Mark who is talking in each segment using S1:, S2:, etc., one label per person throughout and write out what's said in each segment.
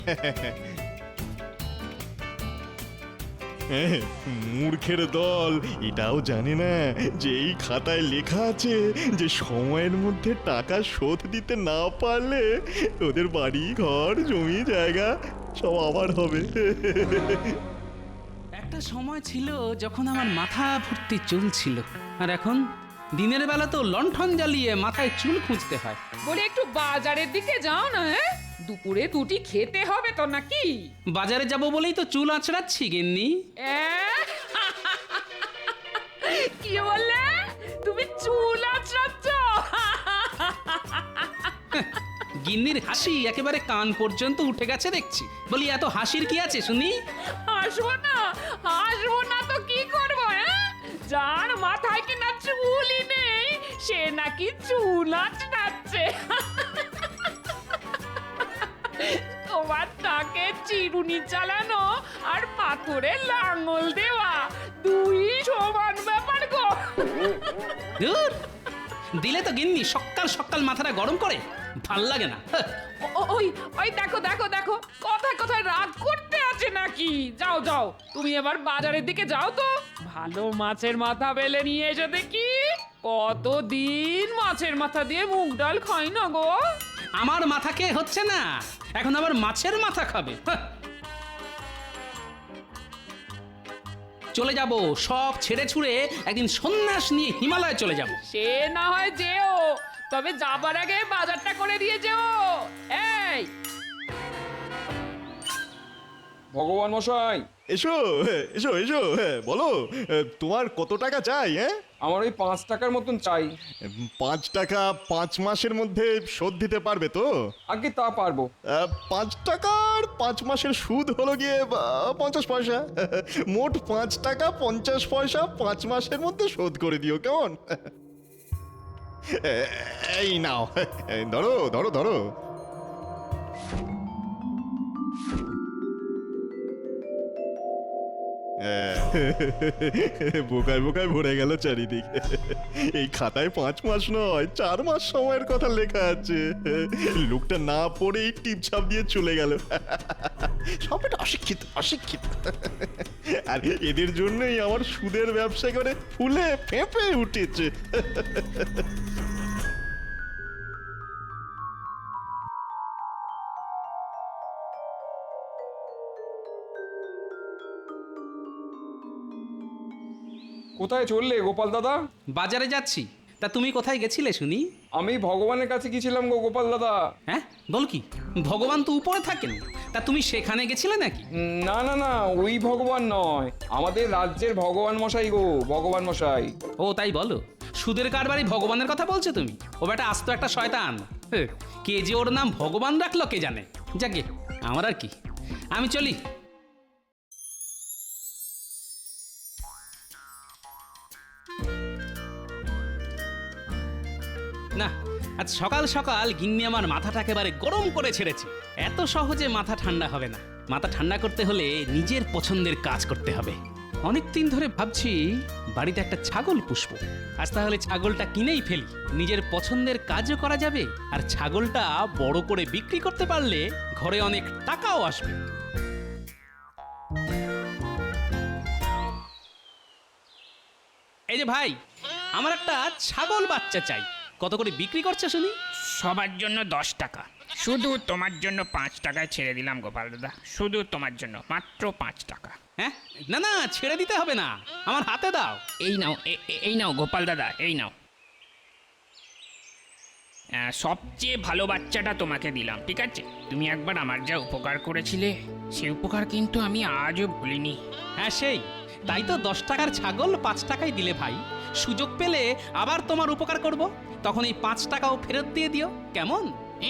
S1: মূর্খের দল এটাও জানে না যে এই খাতায় লেখা আছে যে সময়ের মধ্যে টাকা শোধ দিতে না পারলে ওদের বাড়ি ঘর জমি জায়গা সব আবার হবে।
S2: একটা সময় ছিল যখন আমার মাথা ভর্তি চুল ছিল, আর এখন দিনের বেলা তো লণ্ঠন জ্বালিয়ে মাথায় চুল খুঁজতে হয়।
S3: বলে একটু বাজারের দিকে যাও না, হ্যাঁ? দুপুরে দুটি খেতে হবে তো নাকি?
S2: বাজারে যাব বলেই তো চুল আঁচড়াচ্ছি গিন্নি।
S3: কি বললে? তুমি চুল আঁচড়াচ্ছ?
S2: গিন্নির হাসি একেবারে কান পর্যন্ত উঠে গেছে দেখছি। বলি এত হাসির কি আছে শুনি?
S3: হাসবো না তো কি করবো? হ্যাঁ, যার মাথায় কিনা চুলই নেই সে নাকি চুল আঁচড়াচ্ছে। তোমার তাকে চিরুনি চালানো আর পাথরে লাঙল দেওয়া দুই সমান ব্যাপার গো।
S2: ধুর, দিলে তো গিন্নি সকাল সকাল মাথাটা গরম করে, ভাল লাগে না।
S3: ওই ওই দেখো দেখো দেখো, কথায় কথায় রাগ করতে আছে নাকি? যাও যাও, তুমি এবার বাজারের দিকে যাও তো, ভালো মাছের মাথা বেলে নিয়ে এসো দেখি। কতদিন মাছের মাথা দিয়ে মুগ ডাল খাই না গো।
S2: আমার মাথা খেয়ে হচ্ছে না, এখন আবার মাছের মাথা খাবে। চলে যাব, সব ছেড়ে ছুড়ে একদিন সন্ন্যাস নিয়ে হিমালয়ে চলে যাব।
S3: সে না হয় যেও, তবে যাবার আগে বাজারটা করে দিয়ে যেও। এই
S4: ভগবান মশাই,
S1: এসো এসো এসো, বলো তোমার কত টাকা চাই? হ্যাঁ,
S4: আমার ওই 5 টাকার মতন চাই।
S1: 5 টাকা 5 মাসের মধ্যে শোধ দিতে পারবে তো?
S4: আগে তা পারবো।
S1: 5 টাকার 5 মাসের সুদ হলো গিয়ে 50 পয়সা। মোট 5 টাকা 50 পয়সা 5 মাসের মধ্যে শোধ করে দিও, কেমন? এই নাও, ধরো ধরো ধরো। বোকায় বোকায় ভরে গেল চারিদিকে। এই খাতায় 5 মাস নয় 4 মাস সময়ের কথা লেখা আছে। লোকটা না পড়েই টিপছাপ দিয়ে চলে গেল। সব এটা অশিক্ষিত অশিক্ষিত। আর এদের জন্যই আমার সুদের ব্যবসা করে ফুলে ফেঁপে উঠেছে।
S4: কোথায় চললে গোপাল দাদা?
S2: বাজারে যাচ্ছি। তা তুমি কোথায় গেছিলে শুনি?
S4: আমি ভগবানের কাছে গেছিলাম গো গোপাল দাদা।
S2: হ্যাঁ, বল কি? ভগবান তো উপরে থাকেন, তা তুমি সেখানে গেছিলে নাকি?
S4: না না না, ওই ভগবান নয়, আমাদের রাজ্যের ভগবান মশাই গো, ভগবান মশাই।
S2: ও তাই বলো? সুদের কারবারি ভগবানের কথা বলছো তুমি? ও বেটা আস্ত একটা শয়তান। কে যে ওর নাম ভগবান রাখলো কে জানে। যাকে আমার আর কি, আমি চলি। না, আজ সকাল সকাল গিন্নি আমার মাথাটা একেবারে গরম করে ছেড়েছে। এত সহজে মাথা ঠান্ডা হবে না। মাথা ঠান্ডা করতে হলে নিজের পছন্দের কাজ করতে হবে। অনেক দিন ধরে ভাবছি বাড়িতে একটা ছাগল পুষবো। আজ তাহলে ছাগলটা কিনেই ফেলি, নিজের পছন্দের কাজও করা যাবে, আর ছাগলটা বড় করে বিক্রি করতে পারলে ঘরে অনেক টাকাও আসবে। এই যে ভাই, আমার একটা ছাগল বাচ্চা চাই। কত করে বিক্রি করছে শুনি?
S5: সবার জন্য 10 টাকা, শুধু তোমার জন্য 5 টাকায় ছেড়ে দিলাম গোপাল দাদা, শুধু তোমার জন্য মাত্র 5 টাকা।
S2: হ্যাঁ, না না, ছেড়ে দিতে হবে না, আমার হাতে দাও।
S5: এই নাও, এই নাও গোপাল দাদা, এই নাও। সবচেয়ে ভালো বাচ্চাটা তোমাকে দিলাম, ঠিক আছে? তুমি একবার আমার যা উপকার করেছিলে সে উপকার কিন্তু আমি আজও ভুলিনি।
S2: হ্যাঁ সেই, তাই তো 10 টাকার ছাগল 5 টাকায় দিলে ভাই। সুযোগ পেলে আবার তোমার উপকার করব, তখন এই 5 টাকাও ফেরত দিয়ে দিও, কেমন?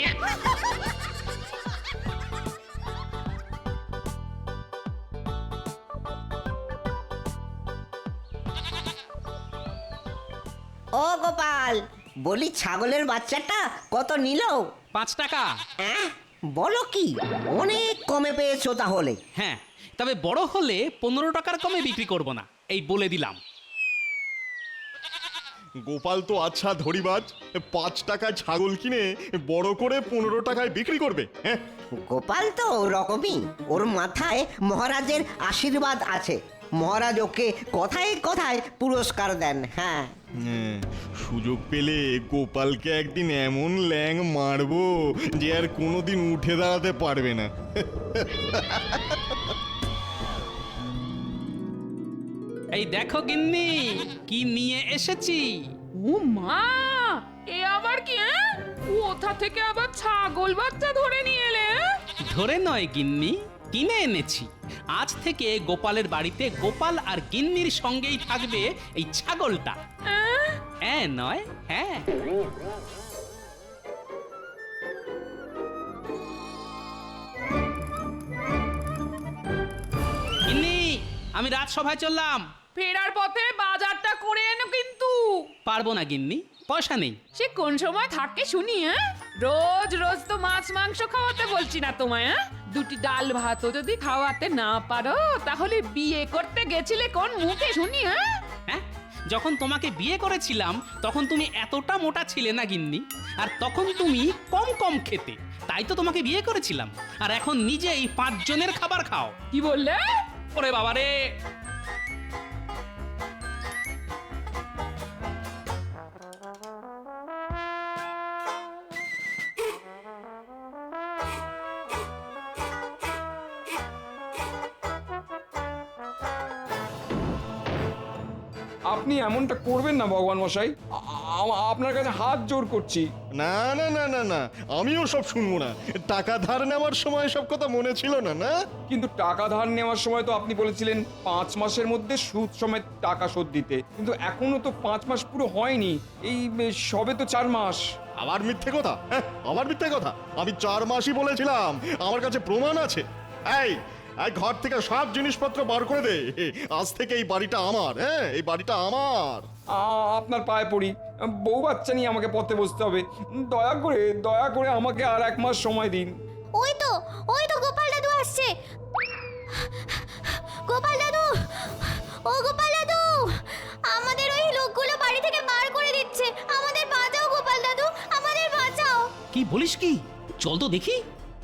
S6: ও গোপাল, বলি ছাগলের বাচ্চাটা কত নিল?
S2: 5 টাকা।
S6: বলো কি, অনেক কমে পেয়েছো তাহলে।
S2: হ্যাঁ, তবে বড় হলে 15 টাকার কমে বিক্রি করব না, এই বলে দিলাম।
S1: গোপাল তো আচ্ছা ধরিবাজ, 5 টাকায় ছাগল কিনে বড় করে 15 টাকায় বিক্রি করবে। হ্যাঁ,
S6: গোপাল তো ওরকমই, ওর মাথায় মহারাজের আশীর্বাদ আছে। মহারাজ ওকে কথায় কথায় পুরস্কার দেন। হ্যাঁ,
S1: হ্যাঁ, সুযোগ পেলে গোপালকে একদিন এমন ল্যাং মারবো যে আর কোনোদিন উঠে দাঁড়াতে পারবে না।
S2: এই দেখো গিন্নি, কি নিয়ে এসেছি।
S3: ও মা, এ আবার কি? কোথা থেকে আবার ছাগল বাচ্চা ধরে নিয়ে এলে?
S2: ধরে নয় গিন্নি, কিনে এনেছি। আজ থেকে গোপালের বাড়িতে গোপাল আর গিন্নির সঙ্গেই থাকবে এই ছাগলটা। হ্যাঁ নয়, হ্যাঁ। গিন্নি, আমি রাজসভায় চললাম।
S3: ফেরার পথে বাজারটা করে এনো কিন্তু।
S2: পারবো না গিন্নি, পয়সা নেই।
S3: সে কোন সময় থাকে শুনি? রোজ রোজ তো মাছ মাংস খাওয়াতে বলছি না তোমায়। দুটি ডাল ভাতও যদি খাওয়াতে না পারো তাহলে বিয়ে করতে গেছিলে কোন মুখে শুনি?
S2: হ্যাঁ, যখন তোমাকে বিয়ে করেছিলাম তখন তুমি এতটা মোটা ছিলে না গিন্নি, আর তখন তুমি কম কম খেতে, তাই তো তোমাকে বিয়ে করেছিলাম। আর এখন নিজেই 5 জনের খাবার খাও।
S3: কি বললে?
S2: ওরে বাবা রে!
S4: আপনি এমনটা করবেন না ভগবান মশাই, আপনার কাছে হাত জোর করছি।
S1: না না না না না, আমিও সব শুনবো না। টাকা ধার নেওয়ার সময় সব কথা মনে ছিল না? না,
S4: কিন্তু টাকা ধার নেওয়ার সময় তো আপনি বলেছিলেন 5 মাসের মধ্যে সুদ সমেত টাকা শোধ দিতে, কিন্তু এখনো তো 5 মাস পুরো হয়নি। এই সবে তো 4 মাস।
S1: আবার মিথ্যে কথা? হ্যাঁ, আবার মিথ্যে কথা। আমি 4 মাসই বলেছিলাম, আমার কাছে প্রমাণ আছে। এই ঘর থেকে সব জিনিসপত্র বার করে দে। আজ থেকে এই বাড়িটা আমার। হ্যাঁ, এই বাড়িটা আমার।
S4: আপনার পায়ে পড়ি, বউ বাচ্চা নিয়ে আমাকে পথে বসতে হবে। দয়া করে আমাকে আর 1 মাস সময় দিন।
S7: ওই তো গোপাল দাদু আসছে। গোপাল দাদু, ও গোপাল দাদু, আমাদের ওই লোকগুলো বাড়ি থেকে বার করে দিচ্ছে। আমাদের বাঁচাও গোপাল দাদু, আমাদের বাঁচাও।
S2: কি বলিস কি? চল তো দেখি।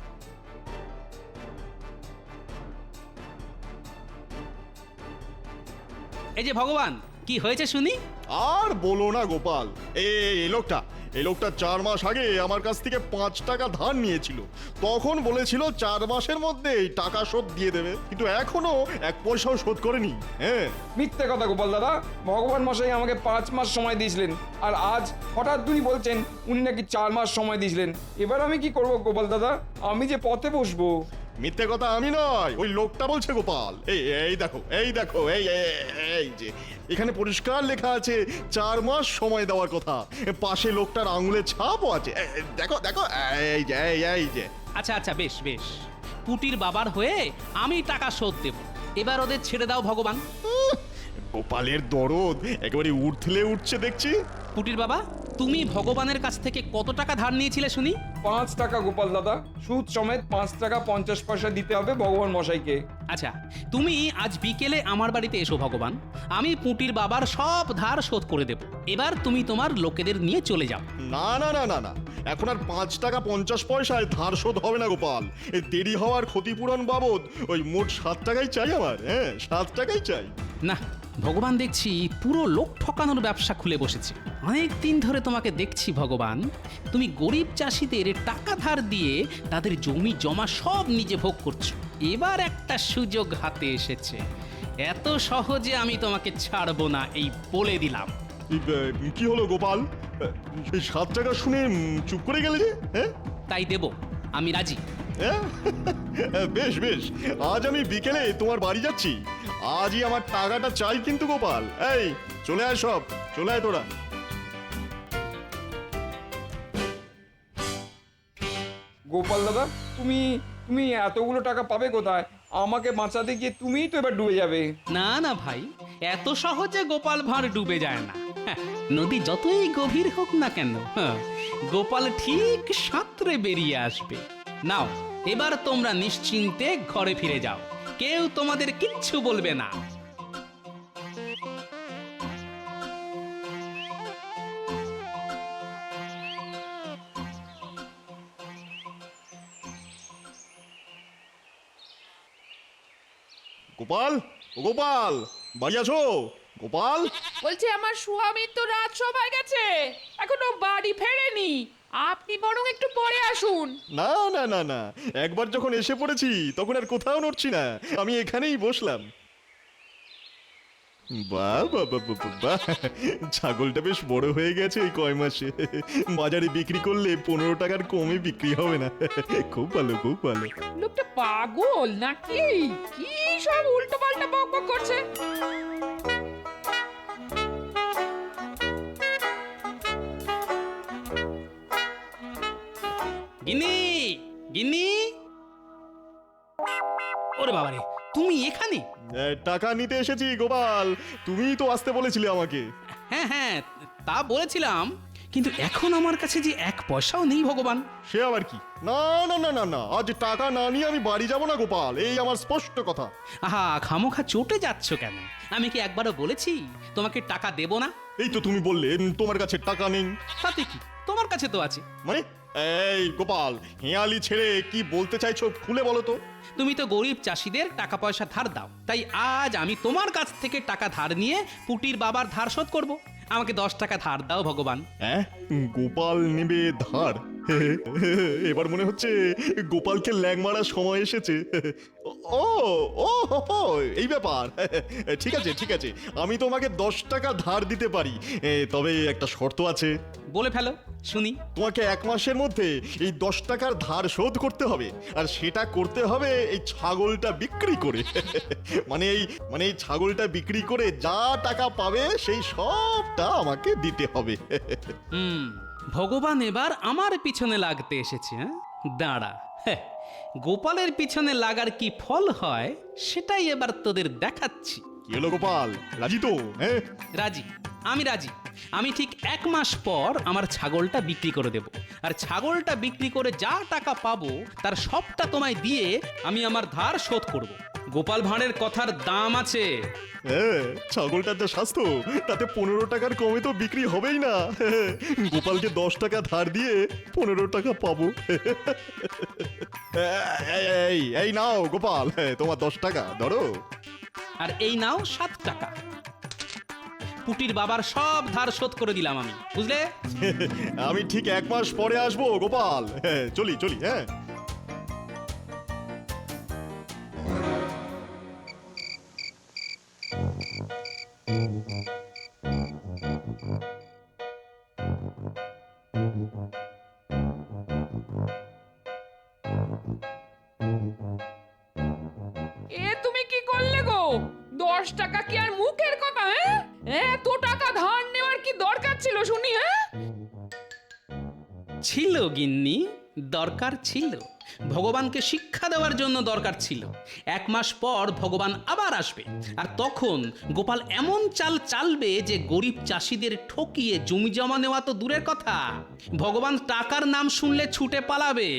S2: এই যে ভগবান, কি হয়েছে শুনি।
S1: আর বলো না গোপাল, এই লোকটা 4 মাস আগে আমার কাছ থেকে 5 টাকা ধার নিয়েছিল। তখন বলেছিল 4 মাসের মধ্যে এই টাকা শোধ দিয়ে দেবে, কিন্তু এখনো 1 পয়সাও শোধ করেনি। হ্যাঁ,
S4: মিথ্যে কথা গোপাল দাদা, ভগবান মশাই আমাকে 5 মাস সময় দিয়েছিলেন, আর আজ হঠাৎ উনি বলছেন উনি নাকি 4 মাস সময় দিয়েছিলেন। এবার আমি কি করব গোপাল দাদা? আমি যে পথে বসবো।
S1: মিথ্যে কথা আমি নয়, ওই লোকটা বলছে গোপাল। এই দেখো, এই যে এখানে পরিষ্কার লেখা আছে 4 মাস সময় দেওয়ার কথা। পাশে লোকটার আঙুলের ছাপও আছে। দেখো, এই যে।
S2: আচ্ছা আচ্ছা, বেশ বেশ, পুটির বাবার হয়ে আমি টাকা শোধ দেব। এবার ওদের ছেড়ে দাও ভগবান।
S1: গোপালের দরদ একেবারে উঠলে উঠছে দেখছি।
S2: পুটির বাবা, তুমি ভগবানের কাছ থেকে কত টাকা ধার নিয়েছিলে শুনি?
S4: 5 টাকা গোপাল দাদা, সুদ সমেত 5 টাকা 50 পয়সা দিতে হবে ভগবান মশাইকে।
S2: আচ্ছা, তুমি আজ বিকেলে আমার বাড়িতে এসো ভগবান, আমি পুটির বাবার সব ধার শোধ করে দেব। এবার তুমি তোমার লোকেদের নিয়ে চলে যাও।
S1: না না না না না, এখন আর 5 টাকা 50 পয়সায় ধার শোধ হবে না গোপাল। এই দেরি হওয়ার ক্ষতিপূরণ বাবদ ওই মোট 7 টাকাই চাই আমার। হ্যাঁ, 7 টাকাই চাই।
S2: না, ভগবান দেখছি পুরো লোক ঠকানোর ব্যবসা খুলে বসেছে। অনেক দিন ধরে তোমাকে দেখছি ভগবান, তুমি গরিব চাষিদের টাকা ধার দিয়ে তাদের জমি জমা সব নিজে ভোগ করছো। এবার একটা সুযোগ হাতে এসেছে, এত সহজে আমি তোমাকে ছাড়বো না, এই বলে দিলাম।
S1: কি হলো গোপাল? এই 7 টাকা শুনে চুপ করে গেলে যে? হ্যাঁ,
S2: তাই দেব, আমি রাজি।
S1: হ্যাঁ? বেশ বেশ, আজ আমি বিকেলে তোমার বাড়ি যাচ্ছি। আজই আমার টাকাটা চাই কিন্তু গোপাল। এই চলে আয়, সব চলে আয় তোরা।
S4: গোপাল দাদা, তুমি এতগুলো টাকা পাবে কোথায়? আমাকে বাঁচাতে গিয়ে তুমিই তো এবার ডুবে যাবে।
S2: না না ভাই, এত সহজে গোপাল ভাঁড় ডুবে যায় না। হ্যাঁ, নদী যতই গভীর হোক না কেন, গোপাল ঠিক সাঁতরে বেরিয়ে আসবে। নাও, এবার তোমরা নিশ্চিন্তে ঘরে ফিরে যাও, কেউ তোমাদের কিচ্ছু বলবে না।
S1: গোপাল, ও গোপাল, বাড়ি আছো? গোপাল,
S3: বলছি আমার স্বামী তো রাত সবাই গেছে, এখনো বাড়ি ফেরেনি। আপনি বরং একটু পরে আসুন।
S1: না না না না, একবার যখন এসে পড়েছি তখন আর কোথাও নড়ছি না, আমি এখানেই বসলাম। বাহ বাহ বাহ বাহ বাহ, বাহ। ছাগলটা বেশ বড় হয়ে গেছে এই কয় মাসে, বাজারে বিক্রি করলে 15 টাকার কমে বিক্রি হবে না। খুব ভালো, খুব ভালো।
S3: লোকটা পাগল নাকি? কি সব উল্টো পাল্টা বকবক করছে।
S2: গিন্নি, গিন্নি, ওরে বাবারে, তুমি এখানে?
S1: টাকা নিতে এসেছি গোপাল, তুমিই তো আসতে বলেছিলে আমাকে।
S2: হ্যাঁ হ্যাঁ, তা বলেছিলাম, কিন্তু এখন আমার কাছে যে 1 পয়সাও নেই ভগবান।
S1: সে আবার কি? না না না না না, আজ টাকা না নিয়ে আমি বাড়ি যাব না গোপাল, এই আমার স্পষ্ট কথা।
S2: আহা, খামোখা চটে যাচ্ছ কেন? আমি কি একবারও বলেছি তোমাকে টাকা দেব না?
S1: এই তো তুমি বললে তোমার কাছে টাকা নেই।
S2: তাতে কি, তোমার কাছে তো আছে।
S1: মানে এই গোপাল, হেয়ালি ছেড়ে কি বলতে চাইছো খুলে বলো তো।
S2: তুমি তো গরিব চাষিদের টাকা পয়সা ধার দাও, তাই আজ আমি তোমার কাছ থেকে টাকা ধার নিয়ে পুটির বাবার ধার শোধ করব। আমাকে 10 টাকা ধার দাও ভগবান।
S1: হ্যাঁ, গোপাল নেবে ধার? এবার মনে হচ্ছে গোপালকে ল্যাং মারার সময় এসেছে। ও ও হো, হো, এই ব্যাপার। ঠিক আছে ঠিক আছে, আমি তোমাকে 10 টাকা ধার দিতে পারি, তবে একটা শর্ত আছে।
S2: বলে ফেলো শুনি।
S1: তোমাকে 1 মাসের মধ্যে এই 10 টাকার ধার শোধ করতে হবে, আর সেটা করতে হবে এই ছাগলটা বিক্রি করে। মানে এই ছাগলটা বিক্রি করে যা টাকা পাবে সেই সবটা আমাকে দিতে হবে।
S2: ভগবান এবার আমার পিছনে লাগতে এসেছে। হ্যাঁ, দাঁড়া, হ্যাঁ, গোপালের পিছনে লাগার কি ফল হয় সেটাই এবার তোদের দেখাচ্ছি।
S1: কি হলো গোপাল, রাজি তো? হ্যাঁ,
S2: রাজি, আমি রাজি। আমি ঠিক 1 মাস পর আমার ছাগলটা বিক্রি করে দেব, আর ছাগলটা বিক্রি করে যা টাকা পাবো তার সবটা তোমায় দিয়ে আমি আমার ধার শোধ করব। গোপাল ভাঁড়ের কথার দাম আছে।
S1: হ্যাঁ, ছাগলটার যা স্বাস্থ্য তাতে 15 টাকার কমে তো বিক্রি হবেই না। গোপালকে 10 টাকা ধার দিয়ে 15 টাকা পাবো। এই এই নাও গোপাল, তোমার 10 টাকা ধরো।
S2: আর এই নাও 7 টাকা। পুটির বাবার সব ধার শোধ করে দিলাম আমি, বুঝলে?
S1: আমি ঠিক 1 মাস পরে আসবো গোপাল। চলি চলি। হ্যাঁ,
S3: এ তুমি কি করলে গো? 10 টাকা কি আর মুখের কথা? হ্যাঁ, এত টাকা ধার নেওয়ার কি দরকার ছিল শুনি? হ্যাঁ,
S2: ছিল গিন্নি, দরকার ছিল। ভগবানকে শিক্ষা দেওয়ার জন্য দরকার ছিল। 1 মাস পর ভগবান আবার আসবে, আর তখন গোপাল এমন চাল চালবে যে গরিব চাষিদের ঠকিয়ে জমি জমা নেওয়া তো দূরের কথা, ভগবান টাকার নাম শুনলে ছুটে পালাবে।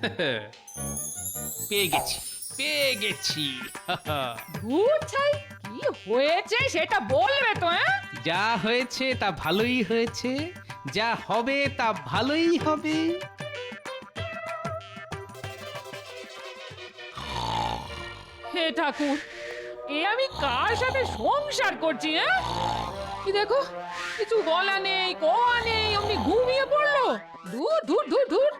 S2: পেয়ে গেছি, পেয়ে গেছি।
S3: ধুর ছাই, কি হয়েছে সেটা বলবে তো? হ্যাঁ,
S2: যা হয়েছে তা ভালোই হয়েছে, যা হবে তা ভালোই হবে।
S3: হে ঠাকুর, এ আমি কার সাথে সংসার করছি? হ্যাঁ, কি দেখো, কিছু বলা নেই, কোয়া নেই, অমনি ঘুমিয়ে পড়লো। দূর দূর দূর দূর।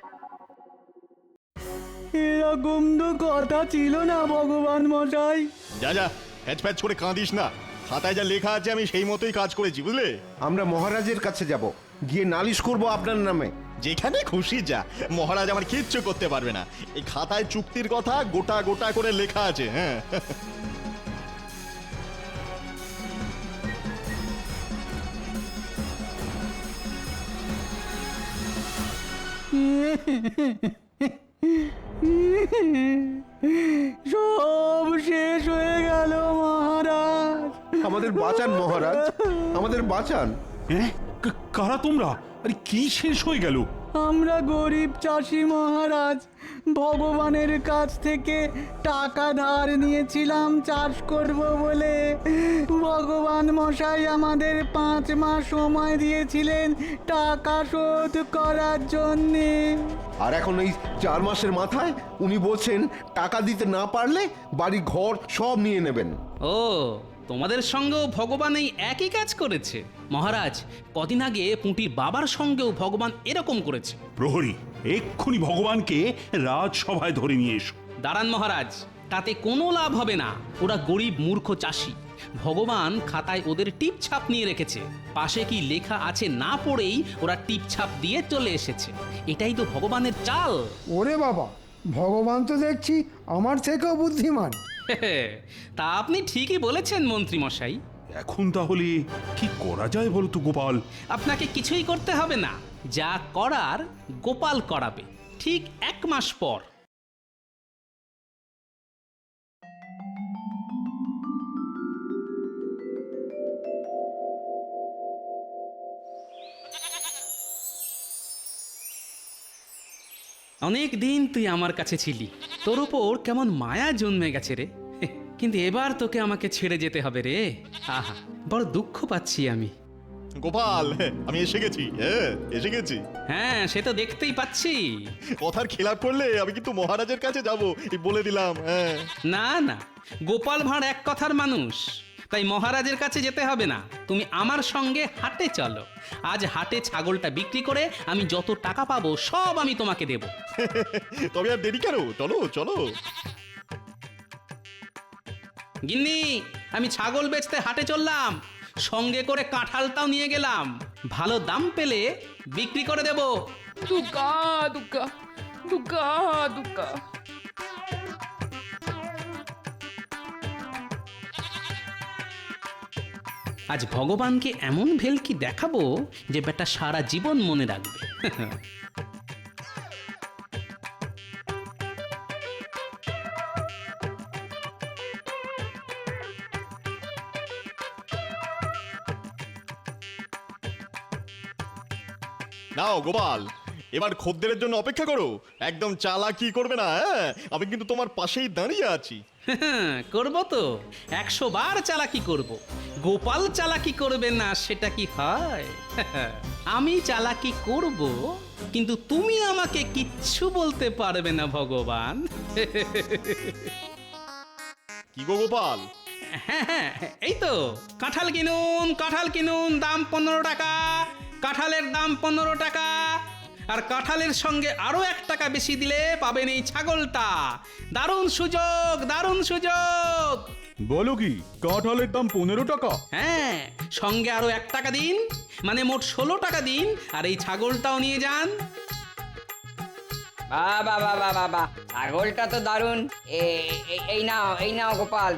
S8: এরকম তো কথা ছিল না ভগবান মশাই।
S1: যা যা, প্যাচ প্যাচ করে কাঁদিস না। খাতায় যা লেখা আছে আমি সেই মতোই কাজ করেছি, বুঝলে?
S9: আমরা মহারাজের কাছে যাব, গিয়ে নালিশ করব আপনার নামে।
S1: যেখানে খুশি যা, মহারাজ আমার কিচ্ছু করতে পারবে না। এই খাতায় চুক্তির কথা গোটা গোটা করে লেখা আছে। হ্যাঁ,
S8: সব শেষ হয়ে গেল মহারাজ।
S9: আমাদের বাঁচান মহারাজ, আমাদের বাঁচান।
S10: কারা তোমরা? আরে কি শেষ হয়ে গেল?
S8: আমরা গরিব চাষি মহারাজ, ভগবানের কাছ থেকে টাকা ধার নিয়েছিলাম চাষ করব বলে। ভগবান মশাই আমাদের 5 মাস সময় দিয়েছিলেন টাকা শোধ করার জন্যে।
S9: আর এখন এই 4 মাসের মাথায় উনি বলছেন টাকা দিতে না পারলে বাড়ি ঘর সব নিয়ে নেবেন।
S2: ও, তোমাদের সঙ্গেও ভগবান এই একই কাজ করেছে। মহারাজ, কদিন আগে পুঁটির বাবার সঙ্গেও ভগবান এরকম করেছে।
S10: প্রহরী, এক্ষুনি ভগবানকে রাজসভায় ধরে নিয়ে এসো।
S2: দাঁড়ান মহারাজ, তাতে কোনো লাভ হবে না। ওরা গরিব মূর্খ চাষি। ভগবান খাতায় ওদের টিপ ছাপ নিয়ে রেখেছে। পাশে কি লেখা আছে না পড়েই ওরা টিপ ছাপ দিয়ে চলে এসেছে। এটাই তো ভগবানের চাল।
S11: ওরে বাবা, ভগবান তো দেখছি আমার থেকেও বুদ্ধিমান।
S2: তা আপনি ঠিকই বলেছেন মন্ত্রী মশাই।
S10: এখন তাহলে কি করা যায় বলতো গোপাল?
S2: আপনাকে কিছুই করতে হবে না, যা করার গোপাল করাবে ঠিক 1 মাস পর। অনেক দিন তুই আমার কাছে ছিলি, তোর ওপর কেমন মায়া জন্মে গেছে রে। কিন্তু এবার তোকে আমাকে ছেড়ে যেতে হবে রে। আহা, বড় দুঃখ পাচ্ছি আমি।
S1: গোপাল, আমি এসে গেছি। এসে গেছি।
S2: হ্যাঁ, সে তো দেখতেই পাচ্ছি।
S1: কথার খেলাপ করলে আমি কিন্তু মহারাজের কাছে যাব, বলে দিলাম।
S2: না না, গোপাল ভাঁড় এক কথার মানুষ, তাই মহারাজের কাছে যেতে হবে না। তুমি আমার সঙ্গে হাটে চলো। আজ হাটে ছাগলটা বিক্রি করে আমি যত টাকা পাবো সব আমি তোমাকে দেব।
S1: তবে আর দেরি কেন, চলো চলো।
S2: গিন্নি, আমি ছাগল বেচতে হাটে চললাম, সঙ্গে করে কাঁঠালটাও নিয়ে গেলাম। ভালো দাম পেলে বিক্রি করে দেব।
S3: দুগ্গা দুগ্গা দুগ্গা দুগ্গা।
S2: আজ ভগবানকে এমন ভেলকি দেখাবো যে বেটা সারা জীবন মনে রাখবে।
S1: নাও গোপাল, এবার খদ্দেরের জন্য অপেক্ষা করো। একদম চালাকি করবে না। আমি কিন্তু তোমার পাশেই দাঁড়িয়ে আছি।
S2: করব তো, 100 বার চালাকি করব। গোপাল চালাকি করবে না সেটা কি হয়? আমি চালাকি করব, কিন্তু তুমি আমাকে কিচ্ছু বলতে পারবে না ভগবান।
S1: কি গো গোপাল?
S2: হ্যাঁ, এই তো কাঁঠাল কিনুন, কাঁঠাল কিনুন, দাম 15 টাকা। কাঁঠালের দাম 15 টাকা। আর কাঁঠালের সঙ্গে আরো 1 টাকা বেশি দিলে পাবেন এই ছাগলটা। দারুণ সুযোগ, দারুণ সুযোগ।
S8: বলো কি, কাঁঠালের দাম 15 টাকা?
S2: হ্যাঁ, সঙ্গে আরো 1 টাকা দিন, মানে মোট 16 টাকা দিন। আর এই ছাগলটাও নিয়ে যান।
S12: বাবা বাবা বাবা, ছাগলটা তো দারুণ। এই নাও গোপাল।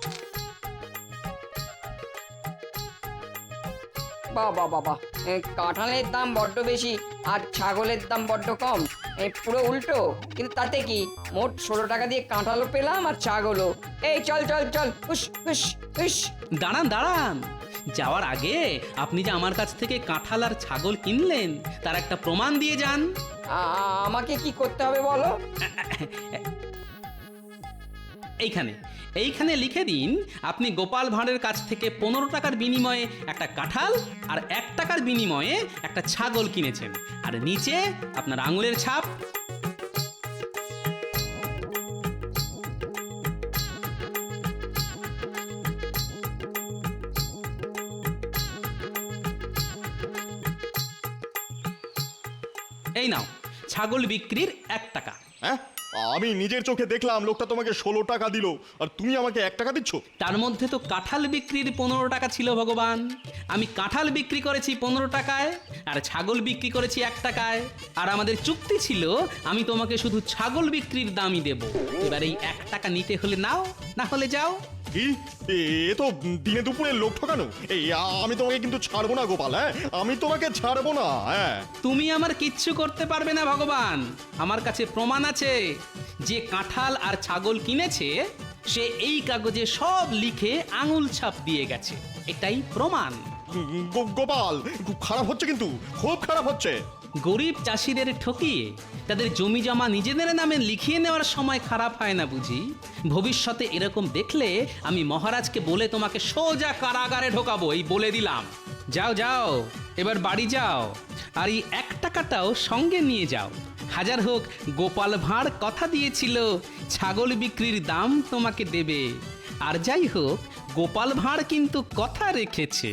S12: বাবা বাবা, কাঁঠালের দাম বড্ড বেশি আর ছাগলের দাম বড্ড কম। পুরো উল্টো, কিন্তু তাতে কি, মোট 16 টাকা দিয়ে কাঁঠালও পেলাম আর ছাগলও। এই চল চল চল, হুস হুস হুস।
S2: দাঁড়ান দাঁড়ান, যাওয়ার আগে আপনি যে আমার কাছ থেকে কাঁঠাল আর ছাগল কিনলেন তার একটা প্রমাণ দিয়ে যান।
S12: আমাকে কি করতে হবে বলো?
S2: এইখানে লিখে দিন আপনি গোপাল ভাঁড়ের কাছ থেকে 15 টাকার বিনিময়ে একটা কাঁঠাল আর 1 টাকার বিনিময়ে একটা ছাগল কিনেছেন। আর নিচে আপনার আঙুলের ছাপ। এই নাও, ছাগল বিক্রির 1 টাকা।
S1: হ্যাঁ, আমি নিজের চোখে দেখলাম লোকটা তোমাকে 16 টাকা দিল, আর তুমি আমাকে 1 টাকা দিচ্ছ।
S2: তার মধ্যে তো কাঁঠাল বিক্রির 15 টাকা ছিল ভগবান। আমি কাঁঠাল বিক্রি করেছি 15 টাকায় আর ছাগল বিক্রি করেছি 1 টাকায়। আর আমাদের চুক্তি ছিল আমি তোমাকে শুধু ছাগল বিক্রির দামই দেব। এবার এই 1 টাকা নিতে হলে নাও, না হলে যাও।
S1: কি, এ তো দিনে দুপুরে লোক ঠকানো। আমি তোমাকে কিন্তু ছাড়বো না গোপাল। আমি তোমাকে ছাড়বো না।
S2: তুমি আমার কিচ্ছু করতে পারবে না ভগবান। আমার কাছে প্রমাণ আছে। যে কাঁঠাল আর ছাগল কিনেছে সে এই কাগজে সব লিখে আঙুল ছাপ দিয়ে গেছে। এটাই প্রমাণ।
S1: গোপাল, খুব খারাপ হচ্ছে, কিন্তু খুব খারাপ হচ্ছে।
S2: গরিব চাষিদের ঠকিয়ে তাদের জমি জমা নিজেদের নামে লিখিয়ে নেওয়ার সময় খারাপ হয় না বুঝি? ভবিষ্যতে এরকম দেখলে আমি মহারাজকে বলে তোমাকে সোজা কারাগারে ঢোকাবো, এই বলে দিলাম। যাও যাও, এবার বাড়ি যাও, আর এই 1 টাকাটাও সঙ্গে নিয়ে যাও। হাজার হোক গোপাল ভাঁড় কথা দিয়েছিল ছাগল বিক্রির দাম তোমাকে দেবে, আর যাই হোক গোপাল ভাঁড় কিন্তু কথা রেখেছে।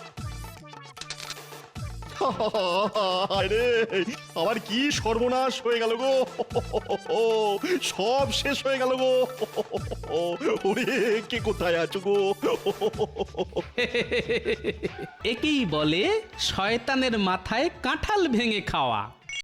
S1: আরে আমার কি সর্বনাশ হয়ে গেল গো, সব শেষ হয়ে গেল গো। ওরে কে কোথায় আছো গো?
S2: একেই বলে শয়তানের মাথায় কাঁঠাল ভেঙে খাওয়া।